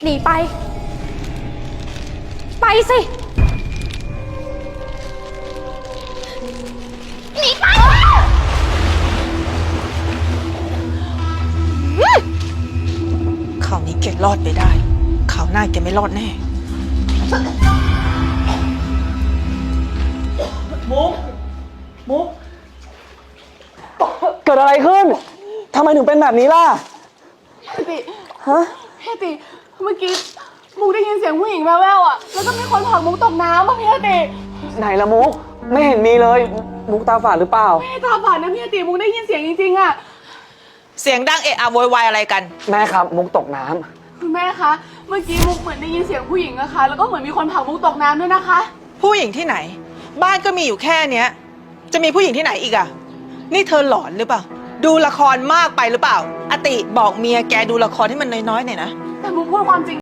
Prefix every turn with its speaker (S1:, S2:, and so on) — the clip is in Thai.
S1: หนีไป ไปสิ หนีไป
S2: คราวนี้แกรอดไปได้คราวหน้าแกไม่รอดแน่
S3: มุกเกิดอะไรขึ้นทำไมถึงเป็นแบบนี้ล่ะ
S4: พี่ติ
S3: ฮะ
S4: พี่ติเมื่อกี้มุกได้ยินเสียงผู้หญิงแว่วๆอ่ะแล้วก็มีคนผลักมุกตกน้ำอ่ะพี่ติ
S3: ไหนละมุกไม่เห็นมีเลยมุกตาฝาดหรือเปล่า
S4: ไม่ตาฝาดนะพี่ติมุกได้ยินเสียงจริงๆอ่ะ
S2: เสียงดังเอะอะโวยวายอะไรกัน
S3: แม่ครับมุกตกน้ำ
S4: คุณแม่คะเมื่อกี้มุกเหมือนได้ยินเสียงผู้หญิงอะค่ะแล้วก็เหมือนมีคนผลักมุกตกน้ำด้วยนะคะ
S2: ผู้หญิงที่ไหน บ้านก็มีอยู่แค่เนี้ย จะมีผู้หญิงที่ไหนอีกอะนี่เธอหลอนหรือเปล่าดูละครมากไปหรือเปล่าอติบอกเมียแกดูละครให้มันน้อยๆหน่อยนะ
S4: แต่มุกพูดความจริง